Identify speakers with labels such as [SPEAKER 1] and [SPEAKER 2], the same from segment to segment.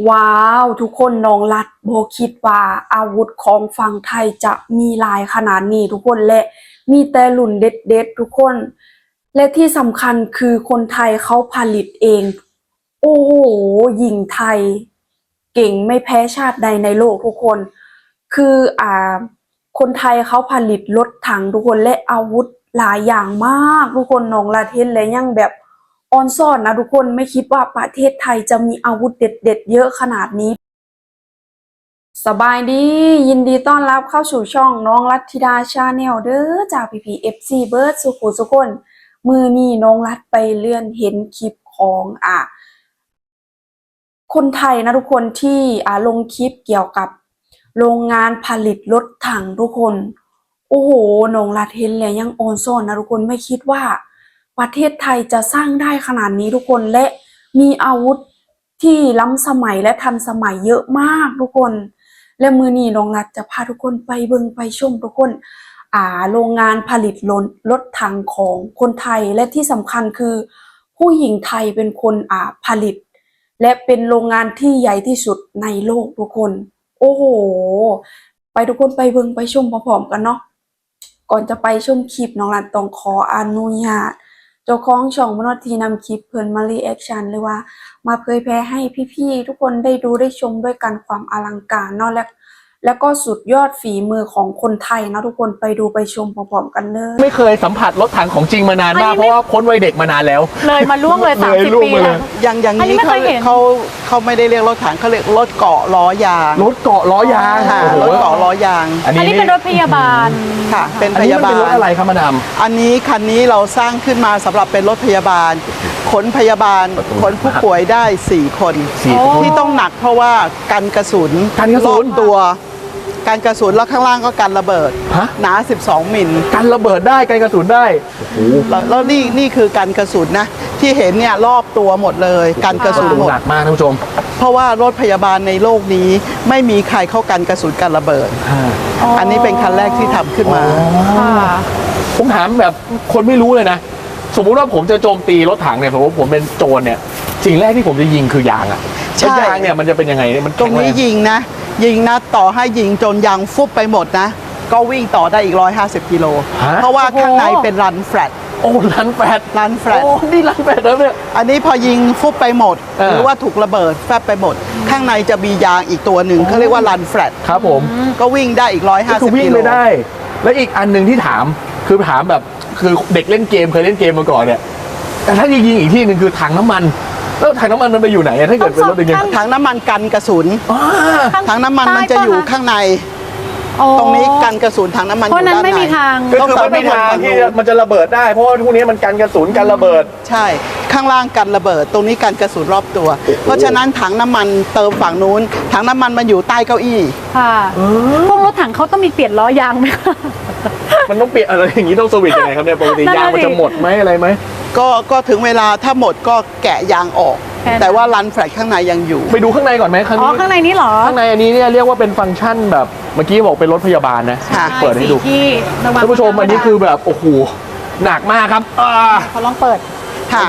[SPEAKER 1] ว้าวทุกคนน้องรัดโบคิดว่าอาวุธของฝั่งไทยจะมีหลายขนาดนี้ทุกคนและมีแต่รุ่นเด็ดๆทุกคนและที่สำคัญคือคนไทยเขาผลิตเองโอ้โหหญิงไทยเก่งไม่แพ้ชาติใดในโลกทุกคนคือคนไทยเขาผลิตรถถังทุกคนและอาวุธหลายอย่างมากทุกคนน้องรัดเห็นและยังแบบออนซ่อนนะทุกคนไม่คิดว่าประเทศไทยจะมีอาวุธเด็ดๆเยอะขนาดนี้สบายดียินดีต้อนรับเข้าสู่ช่องน้องรัตธิดาชาแนลเด้อจากPPFCเบิร์ดสุขุสุคนมือนี้น้องรัตไปเลื่อนเห็นคลิปของคนไทยนะทุกคนที่ลงคลิปเกี่ยวกับโรงงานผลิตรถถังทุกคนโอ้โหน้องรัตเห็นแล้วยังออนซ่อนนะทุกคนไม่คิดว่าประเทศไทยจะสร้างได้ขนาดนี้ทุกคนและมีอาวุธที่ล้ำสมัยและทันสมัยเยอะมากทุกคนและมือนี้น้องรัตจะพาทุกคนไปเบิ่งไปชมทุกคนโรงงานผลิตรถถังของคนไทยและที่สำคัญคือผู้หญิงไทยเป็นคนผลิตและเป็นโรงงานที่ใหญ่ที่สุดในโลกทุกคนโอ้โหไปทุกคนไปเบิ่งไปชมพร้อมๆกันเนาะก่อนจะไปชมคลิปน้องรัตต้องขออนุญาตเจ้าของช่องมโนทีนำคลิปเพิ่นมารีแอคชั่นหรือว่ามาเผยแพร่ให้พี่ๆทุกคนได้ดูได้ชมด้วยกันความอลังการเนาะแล้วก็สุดยอดฝีมือของคนไทยนะทุกคนไปดูไปชมพร้อมๆกันเลย
[SPEAKER 2] ไม่เคยสัมผัสรถถังของจริงมานานมากเพราะว่าพ้นวัยเด็กมานานแล้ว
[SPEAKER 3] เลยมาล่วงเลย30 ปีแล้ว
[SPEAKER 4] อย่างนี้เขาไม่ได้เรียกรถถังเขาเรียกรถเกาะล้อยาง
[SPEAKER 2] รถเกาะล้อยาง
[SPEAKER 4] รถเกาะล้อยาง
[SPEAKER 3] อันนี้เป็นรถพยาบาล
[SPEAKER 4] ค่ะเป็นพยาบาล
[SPEAKER 2] เป็นรถอะไรครับมาดาม
[SPEAKER 4] อันนี้คันนี้เราสร้างขึ้นมาสำหรับเป็นรถพยาบาลขนพยาบาลขนผู้ป่วยได้4 คนที่ต้องหนักเพราะว่ากันกระสุนรอบตัวการกระสุนแล้วข้างล่างก็กันระเบิดหนา12 มิล
[SPEAKER 2] กันระเบิดได้กันกระสุนได้
[SPEAKER 4] แล้วนี่คือกันกระสุนนะที่เห็นเนี่ยรอบตัวหมดเลยกันกระสุนหมด
[SPEAKER 2] หนักมากท่านผู้ชม
[SPEAKER 4] เพราะว่ารถพยาบาลในโลกนี้ไม่มีใครเข้ากันกระสุนกันระเบิดอันนี้เป็นคันแรกที่ทำขึ้นมา
[SPEAKER 2] ผมถามแบบคนไม่รู้เลยนะสมมุติว่าผมจะโจมตีรถถังเนี่ยผมเป็นโจรเนี่ยสิ่งแรกที่ผมจะยิงคือยางยางเนี่ยมันจะเป็นยังไงมัน
[SPEAKER 4] ตรงนี้ยิงนะต่อให้ยิงจนยางฟุบไปหมดนะก็วิ่งต่อได้อีก150 กิโลเพราะว่าข้างในเป็นรันแฟลต
[SPEAKER 2] โอ้รันแฟลต
[SPEAKER 4] โอ้
[SPEAKER 2] นี่รันแฟลตแล้วเนี่ย
[SPEAKER 4] อันนี้พอยิงฟุบไปหมดหรือว่าถูกระเบิดแฟบไปหมดข้างในจะมียางอีกตัวหนึ่งเขาเรียกว่ารันแฟลต
[SPEAKER 2] ครับผม
[SPEAKER 4] ก็วิ่งได้อีก150 กิโล
[SPEAKER 2] วิ่งไม่ได้และอีกอันหนึ่งที่ถามแบบคือเด็กเล่นเกมเคยเล่นเกมมาก่อนเนี่ยแต่ถ้ายิงอีกที่หนึ่งคือถังน้ำมันแล้วถังน้ำมันมันไปอยู่ไหนถ้าเกิดเป็นรถอย่างเงี้ย
[SPEAKER 4] ถังน้ำมันกันกระสุนถังน้ำมันมันจะอยู่ข้างในตรงนี้กันกระสุนถังน้ำมันอยู่ด้านในเพราะนั้นไม่มีทาง
[SPEAKER 2] ก็คือไม่มีทางที่มันจะระเบิดได้เพราะว่าพวกนี้มันกันกระสุนกันระเบิด
[SPEAKER 4] ใช่ข้างล่างกันระเบิดตรงนี้กันกระสุนรอบตัวเพราะฉะนั้นถังน้ำมันเติมฝั่งนู้นถังน้ำมันมันอยู่ใต้เก้าอี้
[SPEAKER 3] ค่ะพวกรถถังเขาต้องมีเปลี่ยนล้อยางไหม
[SPEAKER 2] มันต้องเปลี่ยนอะไรอย่างนี้ต้องสวิตช์ยังไงครับเนี่ยปกติยางมันจะหมดไหมอะไรไหม
[SPEAKER 4] ก็ถึงเวลาถ้าหมดก็แกะยางออกแต่ว่ารันแฟลตข้างในยังอยู่
[SPEAKER 2] ไปดูข้างในก่อนไหม
[SPEAKER 3] ข้างในนี้เหรอ
[SPEAKER 2] ข้างในอันนี้เนี่ยเรียกว่าเป็นฟังก์ชันแบบเมื่อกี้บอกเป็นรถพยาบาลนะเปิดให้ดูท่านผู้ชมอันนี้คือแบบโอ้โหหนักมากครับ
[SPEAKER 3] เขาลองเปิด
[SPEAKER 4] ค่ะ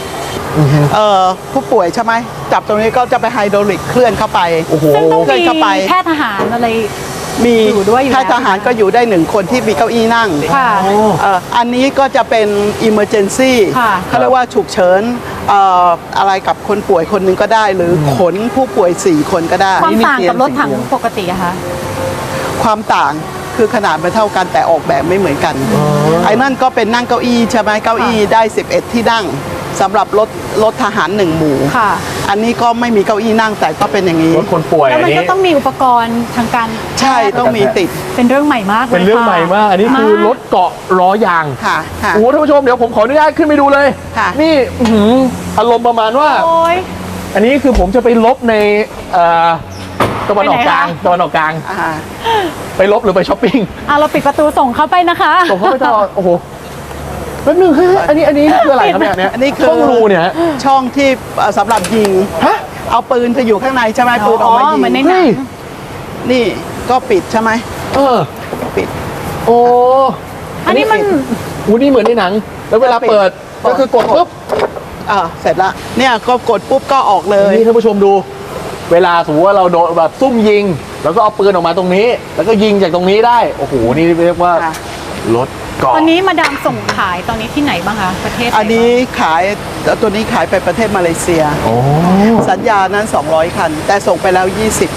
[SPEAKER 4] ผู้ป่วยใช่ไหมจับตรงนี้ก็จะไปไฮดรอลิกเคลื่อนเข้าไป
[SPEAKER 3] โอ้โหเคลื่อนเข้าไปแพทย์ทหารอะไร
[SPEAKER 4] มีแพทย์ทหารก็อยู่ได้1 คนที่มีเก้าอี้นั่งอันนี้ก็จะเป็น emergency เขาเรียกว่าฉุกเฉินอะไรกับคนป่วยคนหนึ่งก็ได้หรือขนผู้ป่วย4 คนก็ได้
[SPEAKER 3] ความต่างกับรถถังปกติอะคะ
[SPEAKER 4] ความต่างคือขนาดไม่เท่ากันแต่ออกแบบไม่เหมือนกันไอ้นั่นก็เป็นนั่งเก้าอี้ใช่ไหมเก้าอี้ได้11 ที่นั่งสำหรับรถทหาร1 หมู่อันนี้ก็ไม่มีเก้าอี้นั่งแต่ก็เป็นอย่างนี้
[SPEAKER 2] รถคนป่วย
[SPEAKER 3] แล้วมันก็ต้องมีอุปกรณ์ทางการ
[SPEAKER 4] ใช่ต้องมีติด
[SPEAKER 3] เป็นเรื่องใหม่มากเลย
[SPEAKER 2] เป็นเรื่องใหม่มากอันนี้คือรถเกาะล้อยางโอ้ท่านผู้ชมเดี๋ยวผมขออนุญาตขึ้นไปดูเลยนี่อารมณ์ประมาณว่าอันนี้คือผมจะไปลบในตะวันออกกลางไปลบหรือไปช้อปปิ้ง
[SPEAKER 3] เราปิดประตูส่งเข้าไปนะคะ
[SPEAKER 2] ส่งเข้าไปตลอดโอ้โหแป๊บนึงอันนี้คืออะไรครับเนี่ย
[SPEAKER 4] อันนี้คือ
[SPEAKER 2] ช่องรูเนี่ย
[SPEAKER 4] ช่องที่สำหรับยิงเอาปืนจะอยู่ข้างในใช่ไหมปืนออกมายิง
[SPEAKER 3] เหมือนในหนัง
[SPEAKER 4] นี่ก็ปิดใช่ไหมปิด
[SPEAKER 2] โอ้
[SPEAKER 3] อันนี้มัน
[SPEAKER 2] นี่เหมือนในหนังแล้วเวลาเปิดก็คือกดปุ๊บ
[SPEAKER 4] เสร็จละเนี่ยก็กดปุ๊บก็ออกเลย
[SPEAKER 2] นี่ท่านผู้ชมดูเวลาสมมติว่าเราโดนแบบซุ่มยิง แล้วก็เอาปืนออกมาตรงนี้ แล้วก็ยิงจากตรงนี้ได้โอ้โหนี่เรียกว่ารถเกาะ
[SPEAKER 3] ตอนนี้มาดามส่งขายตอนนี้ที่ไหนบ้างคะประเทศไห
[SPEAKER 4] อันนี้ขายตัวนี้ขายไปประเทศมาเลเซีย
[SPEAKER 2] โอ้
[SPEAKER 4] สัญญานั้น 200 คัน แต่ส่งไปแล้ว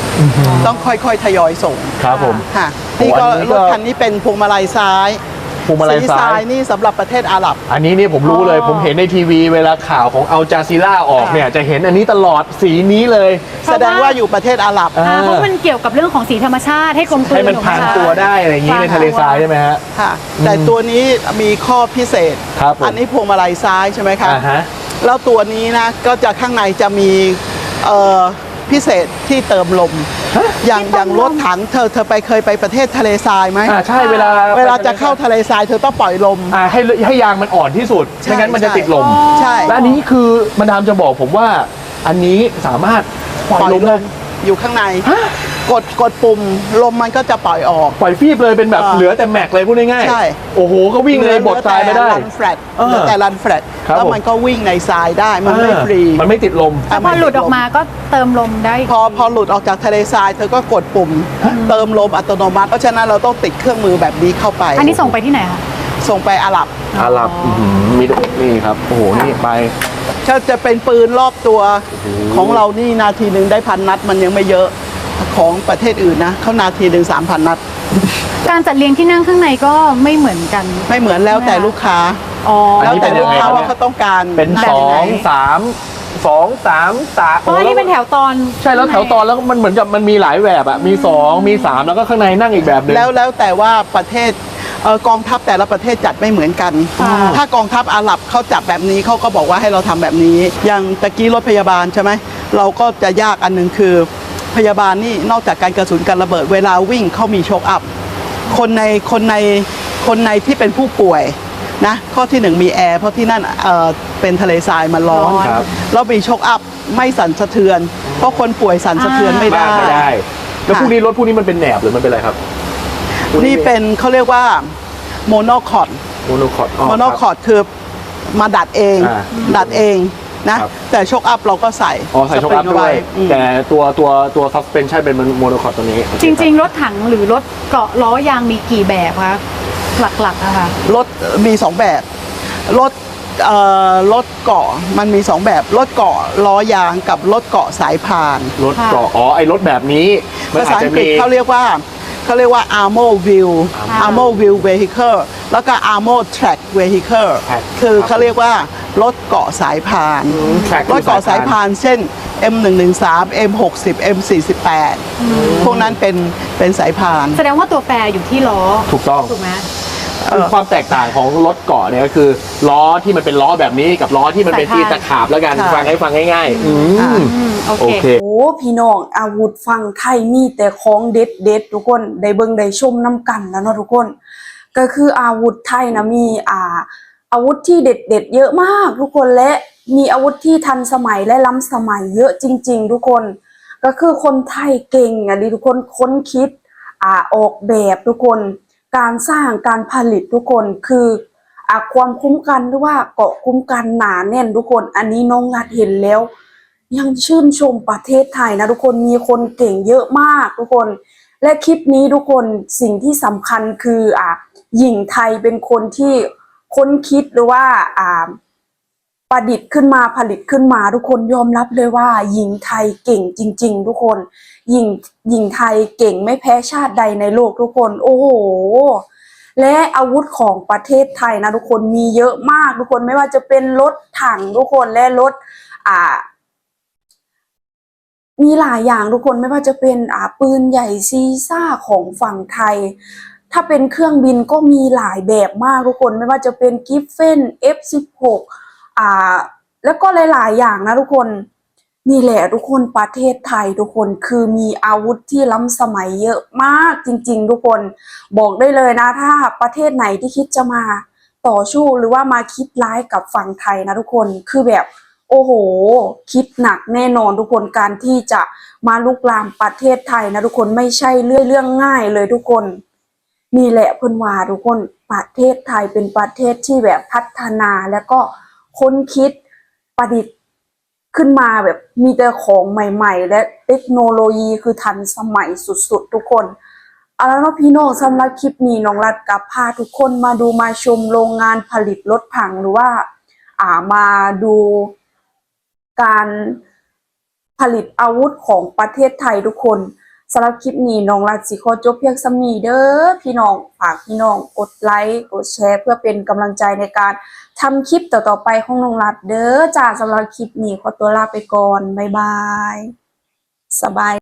[SPEAKER 4] 20 ต้องค่อยๆทยอยส่ง
[SPEAKER 2] ครับผม
[SPEAKER 4] ค่ะนี่ก็
[SPEAKER 2] อันนี้ก็
[SPEAKER 4] รถคันนี้เป็นพวงมาลัยซ้าย
[SPEAKER 2] พวงมาลัย
[SPEAKER 4] สี
[SPEAKER 2] ซ้าย
[SPEAKER 4] นี่สำหรับประเทศอาหรับ
[SPEAKER 2] อันนี้นี่ผมรู้เลย ผมเห็นในทีวีเวลาข่าวของอัลจาซีล่าออกเนี่ยจะเห็นอันนี้ตลอดสีนี้เลย
[SPEAKER 4] แสดงว่าอยู่ประเทศอาหรับ
[SPEAKER 3] เพราะมันเกี่ยวกับเรื่องของสีธรรมชาติให้กลมกลืน
[SPEAKER 2] ให้มันพรางตัวได้อะไรอย่างนี้ในทะเลทรายใช่ไหมฮะ
[SPEAKER 4] ค่ะ แต่ตัวนี้มีข้อพิเศษ
[SPEAKER 2] ครับผม
[SPEAKER 4] อันนี้พวงมาลัยซ้ายใช่ไหมคะ
[SPEAKER 2] อ่าฮะ
[SPEAKER 4] แล้วตัวนี้นะก็จะข้างในจะมีพิเศษที่เติมลม อย่างรถถังเธอเคยไปประเทศทะเลทรายไหม
[SPEAKER 2] ใช่เวลา
[SPEAKER 4] จะเข้าทะเลทรายเธอต้องปล่อยลม
[SPEAKER 2] ให้ยางมันอ่อนที่สุด
[SPEAKER 4] ใช่
[SPEAKER 2] ไม่งั้นมันจะติดลม
[SPEAKER 4] ใช่
[SPEAKER 2] และอันนี้คือมาดามจะบอกผมว่าอันนี้สามารถปล่อยลมได้
[SPEAKER 4] อยู่ข้างในกดปุ่มลมมันก็จะปล่อยออก
[SPEAKER 2] ปล่อยฟีบเลยเป็นแบบเหลือแต่แม็กเลยพูดง่ายๆ
[SPEAKER 4] ใช่
[SPEAKER 2] โอ้โหก็วิ่งเลยบดทรายไม่ได้
[SPEAKER 4] รันแฟลตเหลือแต่รันแฟลต
[SPEAKER 2] ครับ
[SPEAKER 4] แล้วมันก็วิ่งในทรายได้มันไม่ฟรี
[SPEAKER 2] มันไม่ติดลม
[SPEAKER 3] แล้วพอหลุดออกมาก็เติมลมได้
[SPEAKER 4] พอหลุดออกจากทะเลทรายเธอก็กดปุ่มเติมลมอัตโนมัติเพราะฉะนั้นเราต้องติดเครื่องมือแบบนี้เข้าไป
[SPEAKER 3] อันนี้ส่งไปที่ไหนคะ
[SPEAKER 4] ส่งไปอาหรับ
[SPEAKER 2] อาหรับมีนี่ครับโอ้โหนี่ไป
[SPEAKER 4] ถ้าจะเป็นปืนรอบตัวของเรานี่นาทีหนึ่งได้1,000 นัดมันยังไม่เยอะของประเทศอื่นนะเขานาทีหนึ่ง3,000 นัด
[SPEAKER 3] การจัดเรียงที่นั่งข้างในก็ไม่เหมือนกัน
[SPEAKER 4] ไม่เหมือนแล้วแต่ลูกค้า
[SPEAKER 3] อ๋อ
[SPEAKER 4] แล้วแต่ลูกค้า
[SPEAKER 2] อันนี้เป็นยังไง
[SPEAKER 4] ว่าเขาต้องการ
[SPEAKER 2] เป็น
[SPEAKER 4] แบบ
[SPEAKER 2] สอ
[SPEAKER 4] ไหน
[SPEAKER 2] งสาม
[SPEAKER 3] เพราะว่านี่เป็นแถวตอน
[SPEAKER 2] ใช่แล้วแถวตอนแล้วมันเหมือนกับมันมีหลายแบบอะมี2มี3แล้วก็ข้างในนั่งอีกแบบหนึง
[SPEAKER 4] แล้วแต่ว่าประเทศกองทัพแต่ละประเทศจัดไม่เหมือนกัน ถ้ากองทัพอาหรับเขาจัดแบบนี้เขาก็บอกว่าให้เราทำแบบนี้ อย่างตะกี้รถพยาบาลใช่ไหมเราก็จะยากอันหนึงคือพยาบาลนี่นอกจากการกระสุนการระเบิดเวลาวิ่งเขามีโชคอัพคนในที่เป็นผู้ป่วยนะข้อที่หนึ่งมีแอร์เพราะที่นั่นเป็นทะเลทรายมันร้อน
[SPEAKER 2] ครับ
[SPEAKER 4] แล้วมีโชคอัพไม่สั่นสะเทือน เพราะคนป่วยสั่นสะเทือนไม่ได้
[SPEAKER 2] ไม่ได้ แล้วพวกนี้รถพวกนี้มันเป็นแหนบหรือมันเป็นอะไรครับ
[SPEAKER 4] นี่เป็นเขาเรียกว่าโมโนคอร์ด
[SPEAKER 2] โมโนคอร์ด
[SPEAKER 4] โมโนคอร์ดคือมาดัดเอง ดัดเองนะ
[SPEAKER 2] ครับ
[SPEAKER 4] แต่โชคอัพเราก็ใส่
[SPEAKER 2] ใส่ช็อคอัพ
[SPEAKER 4] สปริง
[SPEAKER 2] ด้วย
[SPEAKER 4] อืม
[SPEAKER 2] แต่ตัวซัสเพนชั่นเป็นโมโนคอร์ดตัวนี้
[SPEAKER 3] จริง ๆ รถถังหรือรถเกาะล้อยางมีกี่แบบคะหลักๆนะคะ
[SPEAKER 4] รถมี2แบบรถเกาะมันมี2แบบรถเกาะล้อยางกับรถเกาะสายพาน
[SPEAKER 2] รถเกาะไอ้รถแบบนี้มัน
[SPEAKER 4] ภา
[SPEAKER 2] อา
[SPEAKER 4] ษา
[SPEAKER 2] จ
[SPEAKER 4] อั
[SPEAKER 2] จะ
[SPEAKER 4] งกฤ
[SPEAKER 2] มี
[SPEAKER 4] ษเขาเรียกว่าarmor wheel armor wheel vehicle แล้วก็ armor track vehicle คือเขาเรียกว่ารถเกาะสายพาน
[SPEAKER 2] track
[SPEAKER 4] รถเกาะสายพานเช่น M113 M60 M48 พวกนั้นเป็นสายพาน
[SPEAKER 3] แสดงว่าตัวแปรอยู่ที่ล้อ
[SPEAKER 2] ถูกต้อง
[SPEAKER 3] ถูกไหม
[SPEAKER 2] คือความแตกต่างของรถเกาะเนี่ยก็คือล้อที่มันเป็นล้อแบบนี้กับล้อที่มันเป็นที่ตะขาบแล้วกัน
[SPEAKER 4] ค่ะ
[SPEAKER 2] ฟังง่ายๆ
[SPEAKER 3] โอ
[SPEAKER 2] โอ
[SPEAKER 3] เค
[SPEAKER 2] เค
[SPEAKER 1] โอ้พี่น้องอาวุธฝั่งไทยมีแต่ของเด็ดๆทุกคนได้เบิ่งได้ชมน้ำกันแล้วเนาะทุกคน ก็คืออาวุธไทยนะมีอาวุธที่เด็ดๆเยอะมากทุกคนและมีอาวุธที่ทันสมัยและล้ำสมัยเยอะจริง ๆ ทุกคน ก็คือคนไทยเก่งดิทุกคนค้นคิดออกแบบทุกคนการสร้างการผลิตทุกคนคือความคุ้มกันหรือว่าเกาะคุ้มกันหนาแน่นทุกคนอันนี้น้องงัดเห็นแล้ว ยังชื่นชมประเทศไทยนะทุกคนมีคนเก่งเยอะมากทุกคน และคลิปนี้ทุกคนสิ่งที่สำคัญคือหญิงไทยเป็นคนที่ค้นคิดหรือว่าประดิษฐ์ขึ้นมาผลิตขึ้นมาทุกคนยอมรับเลยว่าหญิงไทยเก่งจริงๆทุกคนหญิงไทยเก่งไม่แพ้ชาติใดในโลกทุกคนโอ้โหและอาวุธของประเทศไทยนะทุกคนมีเยอะมากทุกคนไม่ว่าจะเป็นรถถังทุกคนและรถมีหลายอย่างทุกคนไม่ว่าจะเป็นปืนใหญ่ซีซ่าของฝั่งไทยถ้าเป็นเครื่องบินก็มีหลายแบบมากทุกคนไม่ว่าจะเป็นกิฟเฟน F16แล้วก็หลายๆอย่างนะทุกคนนี่แหละทุกคนประเทศไทยทุกคนคือมีอาวุธที่ล้ำสมัยเยอะมากจริงๆทุกคนบอกได้เลยนะถ้าประเทศไหนที่คิดจะมาต่อสู้หรือว่ามาคิดร้ายกับฝั่งไทยนะทุกคนคือแบบโอ้โหคิดหนักแน่นอนทุกคนการที่จะมาลุกลามประเทศไทยนะทุกคนไม่ใช่เรื่องง่ายเลยทุกคนนี่แหละเพิ่นว่าทุกคนประเทศไทยเป็นประเทศที่แบบพัฒนาแล้วก็ค้นคิดประดิษฐ์ขึ้นมาแบบมีแต่ของใหม่ๆ และเทคโนโลยีคือทันสมัยสุดๆทุกคนเอาแล้วเนาะพี่น้องสำหรับคลิปนี้น้องรัดกับพาทุกคนมาดูมาชมโรงงานผลิตรถถังหรือว่ามาดูการผลิตอาวุธของประเทศไทยทุกคนสำหรับคลิปนี้น้องรัดสิขอจบเพียงส่ำนี้เด้อพี่น้องฝากพี่น้องกดไลค์กดแชร์เพื่อเป็นกำลังใจในการทำคลิปต่อๆไปของน้องรัดเด้อจ้าสำหรับคลิปนี้ขอตัวลาไปก่อนบ๊ายบายสบาย